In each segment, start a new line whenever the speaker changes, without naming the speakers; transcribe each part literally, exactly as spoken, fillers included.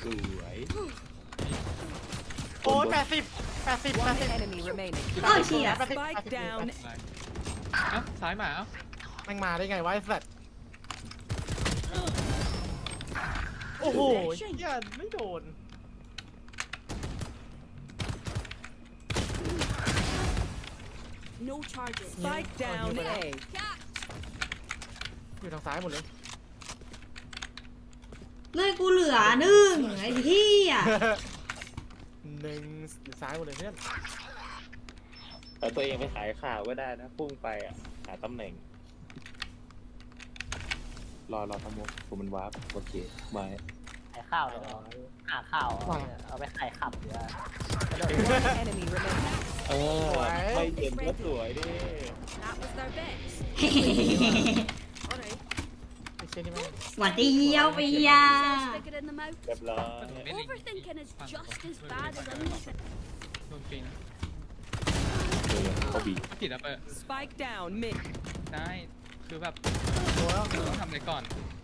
วย
โอ้ยแปดสิบแปดสิบแปด
One
สิบ
enemy remaining.
โอ้เชี่ย
แปดสิบ
Spike down.
เอ้าซ้ายมาเอ้า
แม่งมาได้ไงวะไอ้สัตว์โอ้โหเหี้ยไม่โดน
No charges.
Spike down A.
อยู่ทางซ้ายหมดเลย
เลยกูเหลือหนึ่งไอ้ที่อ่ะ
หนึ่งซ้ายหมดเลยเพื่อน
เอาตัวเองไปขายข่าวก็ได้นะพุ่งไปอ่ะหาตำแหน่งรอรอทำมุกผมมันวาร์ปโอเคมา
ขายข้าวเลยเหรอหาข้าวเอาเอาไปขายขับหรือว่า
One enemy remaining.
เออไม่เย็นก็สวยดิ
That was their best. Alright.
ไอ้เช่นนี่แม่ง
หวัดดีเยี่ยวไปย่า
Stick it in the mouth.
เรียบร้อย
Overthinking is just as bad as anything.
โดนปีน
เดี๋ยวเขาบี
ผิดแล้วเปิด
Spike down mid.
ได้คือแบบ
ตัว
ต้องทำอะไรก่อน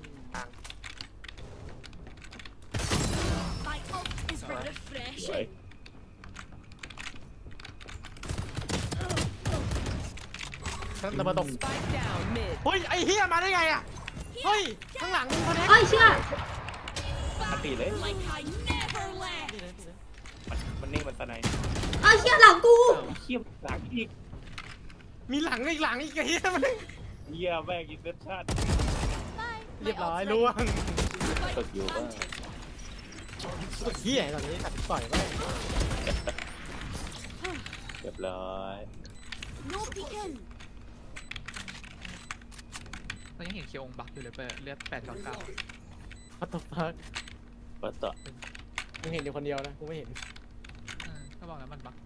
My ult is
สวย
refreshing.
นั่นตะบันตก
Spike down mid.
เฮ้ยไอ้เฮียมาได้ไงอ่ะเฮ้ยข้างหลังคนนี้
โอ้ยเชื่อ
ปกติเลย
Like I never left.
มันมันนิ่งมันตะไน
โอ้ยเชื่อหลังกู
เขี้ยมหลังอีก
มีหลังอีกหลังอีกไอ้เฮียมัน
เยี่ยแม่งอินเซปชั่น
เรียบร้อยล่วง
ฝึกอยู่ว่า
เฮียตอนนี้ตัดต่อยไป
เรียบร้อย
No peeking.
เรายังเห็นเคียวองบักอยู่เลยเปิดเลือดแปดเก้าเก้า
พัตตพัก
วัดต่อ
มึงเห็นอยู่คนเดียวนะกูไม่เห็น
ก็บอกแล้วมันบัก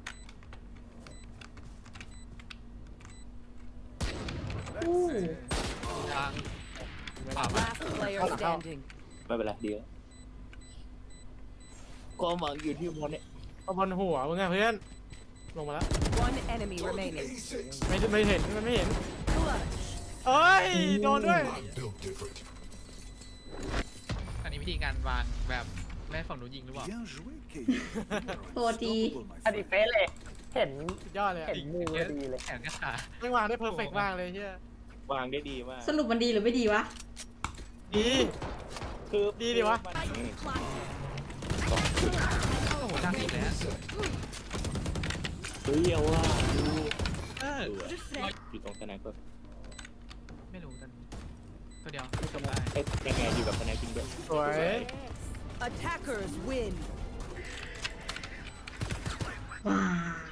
อู้
ยาง
Last player standing.
ไม่เป็นไรเดียวก็หวังอยู่ที่มอนเนี่ย
เอาบอลหัวมึงอะเพื่อนลงมาแล้ว
One enemy remaining.
ไม่ไม่เห็นมันไม่เห็น
Clutch.
เอ้ยโดนด้วย
อันนี้วิธีการวางแบบแม่ฝั่งนู้นยิงหรือเปล่า
โปรตี
อันนี้เป๊ะเลย เห็น
สุดยอดเลยอะ
เห็นมือพอดีเลย
แขนกับขา
ไม่วางได้เพอร์เฟกต์มากเลยเฮียว
างได้ดีมาก
สรุปมันดีหรือไม่ดีวะ
ดี
คือ
ดีดิวะ
มัน
โอ้โหดังอีกแล้ว
เฮ้ยเอาว่าดู
เออ
อยู่ตรงสแน็คก็
ไม่รู้กันตัวเดียวจบได้
เอ๊ะยังไงอยู่กับสแน็คจริงด้วย
สวย
Attackers win.
ว้าย